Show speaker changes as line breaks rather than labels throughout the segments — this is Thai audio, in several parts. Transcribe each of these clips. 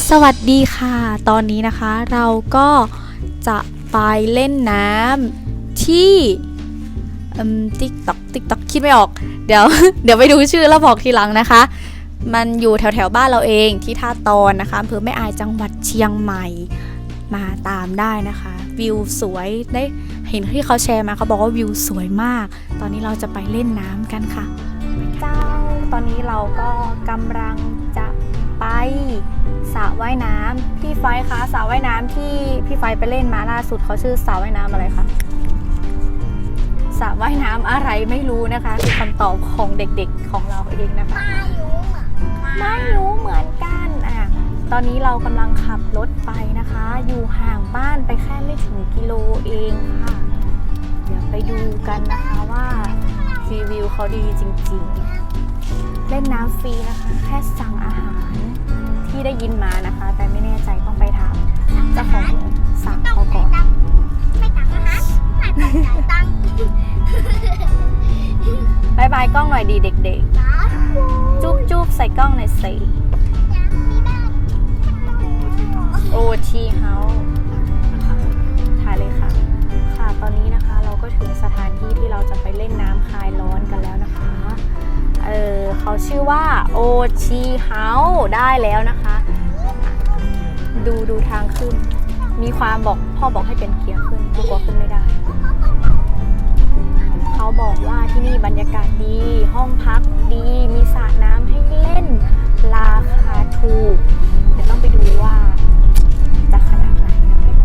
สวัสดีค่ะตอนนี้นะคะเราก็จะไปเล่นน้ำที่ติ๊กต็อกคิดไม่ออกเดี๋ยว เดี๋ยวไปดูชื่อแล้วบอกทีหลังนะคะมันอยู่แถวบ้านเราเองที่ท่าตอนนะคะอำเภอแม่อายจังหวัดเชียงใหม่มาตามได้นะคะวิวสวยได้เห็นที่เขาแชร์มาเขาบอกว่าวิวสวยมากตอนนี้เราจะไปเล่นน้ำกันค่ะเจ้าตอนนี้เราก็กำลังจะไปสระว่ายน้ำพี่ไฟคะสระว่ายน้ำที่พี่ไฟไปเล่นมาล่าสุดเขาชื่อสระว่ายน้ำอะไรคะสระว่ายน้ำอะไรไม่รู้นะคะคือคำตอบของเด็กๆของเราเองนะคะไม่รู้เหมือนกันตอนนี้เรากำลังขับรถไปนะคะอยู่ห่างบ้านไปแค่ไม่ถึงกิโลเองค่ะเดี๋ยวไปดูกันนะคะว่ารีวิวเขาดีจริงๆเล่นน้ำฟรีนะคะแค่สั่งอาหารที่ได้ยินมานะคะแต่ไม่แน่ใจต้องไปถามเจ้าของสระเขาก่อนไม่ตังอาหารไม่ต้องจ่ายตังค์บายบายกล้องหน่อยดีเด็กๆจุ๊บใส่กล้องหน่อยสิโอทีเฮาส์ถ่ายเลยค่ะค่ะตอนนี้นะคะเราก็ถึงสถานที่ที่เราจะไปเล่นน้ำคลายร้อนกันแล้วนะคะเขาชื่อว่าโอทีเฮาส์ได้แล้วนะคะดูทางขึ้นมีความบอกพ่อบอกให้เป็นเกียร์ขึ้นกลัวขึ้นไม่ได้เขาบอกว่าที่นี่บรรยากาศดีห้องพักดีมีสระน้ำให้เล่นราคาถูกเดี๋ยวต้องไปดูว่าจะขนาดไหน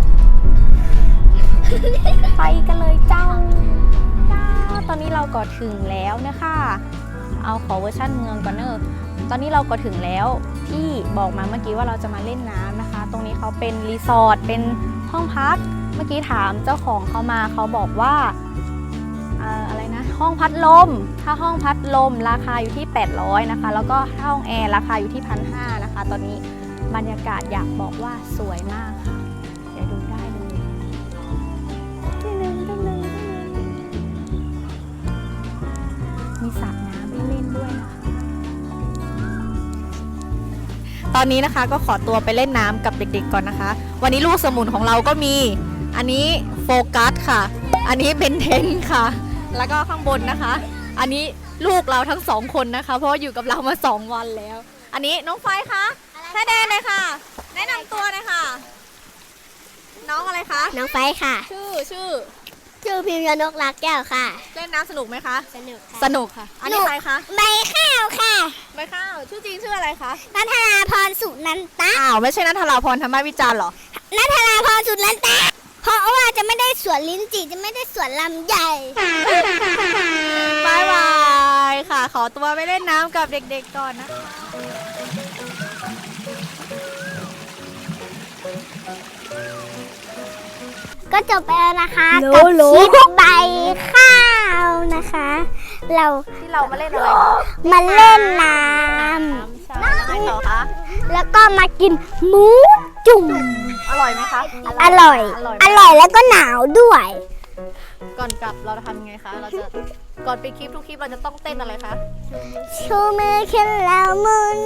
ไปกันเลยเจ้าตอนนี้เราก็ถึงแล้วนะคะเอาขอเวอร์ชั่นเมืองก่อนเนอะตอนนี้เราก็ถึงแล้วที่บอกมาเมื่อกี้ว่าเราจะมาเล่นน้ำนะคะตรงนี้เขาเป็นรีสอร์ทเป็นห้องพักเมื่อกี้ถามเจ้าของเขามาเขาบอกว่าอะไรนะห้องพัดลมถ้าห้องพัดลมราคาอยู่ที่800นะคะแล้วก็ห้องแอร์ราคาอยู่ที่1,500นะคะตอนนี้บรรยากาศอยากบอกว่าสวยมากค่ะเดี๋ยวดูได้เลยมีสระน้ำให้เล่นด้วยนะคะตอนนี้นะคะก็ขอตัวไปเล่นน้ำกับเด็กๆก่อนนะคะวันนี้ลูกสมุนของเราก็มีอันนี้โฟกัสค่ะอันนี้เบนเทนค่ะแล้วก็ข้างบนนะคะอันนี้ลูกเราทั้ง2คนนะคะเพราะอยู่กับเรามา2วันแล้วอันนี้น้องไฟคะแม่แดนเลยค่ะแนะนำตัวเลยค่ะน้องอะไรคะ
น้องไฟค่ะ
ชื่อ
พิมพ์ยนกรักแก้วค่ะ
เล่นน้ำสนุกไหมคะ
สนุกค่ะ
สนุกค่ะอันนี้ใครคะ
ใบข้าวค่ะ
ใบข้าวชื่อจริงชื่ออะไรคะ
ณัฐราพรสุนันตะ
ไม่ใช่ณัฐราพรธรรมวิจารณ์หรอ
ณัฐราพรสุนันตะเพราะว่าจะไม่ได้สวนลิ้นจี่จะไม่ได้สวนลำใหญ่
บายบายค่ะขอตัวไปเล่นน้ำกับเด็กๆก่อนนะคะ
ก็จบไปแล้วนะคะกับคลิปใบข้าวนะคะ
ที่เรามาเล่นอะไรคะ
มาเล่นน้
ำอะไรต่อคะ
แล้วก็มากินหมูจุ่ม
อร่อยไหมคะ
อร่อยแล้วก็หนาวด้วย
ก่อนกลับเราจะทำยังไงคะเราจะก่อนไปคลิปทุกคลิปเราจะต้องเต้นอะไรคะ
ชูมือขึ้นแล้วหมุน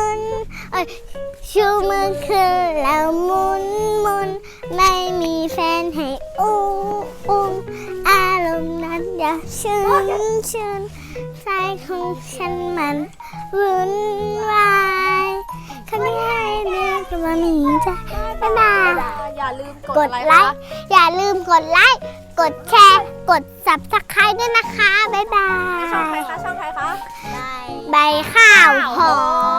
ชูมือขึ้นแล้วหมุนไม่มีแฟนให้อุ้มอารมณ์นั้นอย่าชื่นใจของฉันมันวุ่นวายคนที่ให้เลือกว่ามีใจบ๊ายบาย
อย่าลืม
กดไลค์กดแชร์กด Subscribe ด้วยนะคะบ๊ายบาย
ช่องใครคะ
ใบข้าวหอม